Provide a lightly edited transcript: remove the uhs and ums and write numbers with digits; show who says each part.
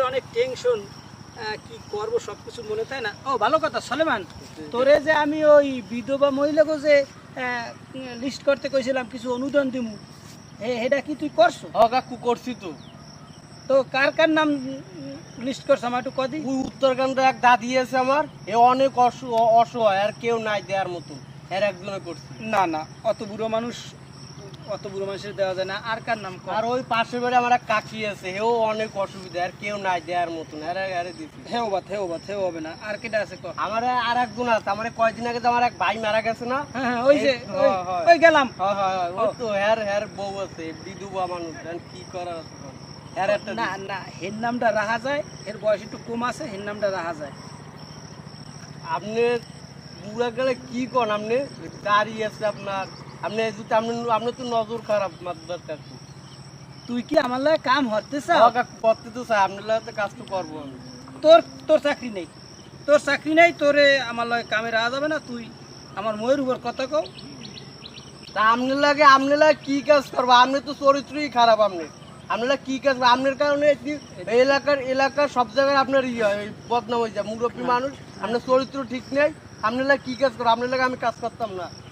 Speaker 1: অনেক টেনশন, কি করব সব কিছু মনে তাই না। ও ভালো কথা সলেমান, তোরে যে আমি ওই বিধবা মহিলাকে যে লিস্ট করতে কইছিলাম কিছু অনুদান দিমু, এটা কি তুই করছো?
Speaker 2: কাকু করছি তো।
Speaker 1: তো কার কার নাম লিস্ট করছ আমার একটু কদি।
Speaker 2: ওই উত্তরকাণ্ডে এক দাদি আছে আমার, এ অনেক অসহায়, আর কেউ নাই দেওয়ার মতো, এর একজনে করছি।
Speaker 1: না না, অত বুড়ো মানুষ, অত বুড়ো মানুষের দেওয়া যায় না। আর কার নাম কর?
Speaker 2: আর ওই পাশের বাড়ি আমার এক কাকি আছে, হেও অনেক অসুবিধা, আর কেউ নাই দেওয়ার মতন, এরে দিছি।
Speaker 1: হেও হবে না। আর কেটা আছে কর?
Speaker 2: আমার আর একজন আছে, আমার কয়দিন আগে তো আমার এক ভাই মারা গেছে না।
Speaker 1: হ্যাঁ ওই যে ওই গেলাম।
Speaker 2: ওই তো হের বউ আছে, বিধবা মানুষ, কি করার আছে।
Speaker 1: না না, হের নামটা রাখা যায়, এর বয়স একটু কম আছে, হের নামটা রাখা যায়।
Speaker 2: আপনি বুড়া গেলে কি করেন? আপনি গাড়ি আছে আপনার, আপনি যদি আপনি তো নজর খারাপ মাত্রার কাকু।
Speaker 1: তুই কি আমার লাগে কাম হতে চাও?
Speaker 2: করতে তো চাই, আপনার লাগে তো কাজ তো করবো আমি।
Speaker 1: তোর তোর চাকরি নেই, তোর চাকরি নেই, তোরে আমার লাগে কামে রাখা যাবে না। তুই আমার ময়ের উপর কথা কও।
Speaker 2: তা আপনার লাগে কি কাজ করবো? আপনি তো চরিত্রই খারাপ। আপনার লাগে কি কাজ? আপনার কারণে এলাকার সব জায়গায় আপনার বদনাম হয়ে যায়, মুরব্বী মানুষ, আপনার চরিত্র ঠিক নেই। আপনার লাগে কি কাজ করবো? আপনার লাগে আমি কাজ করতাম না।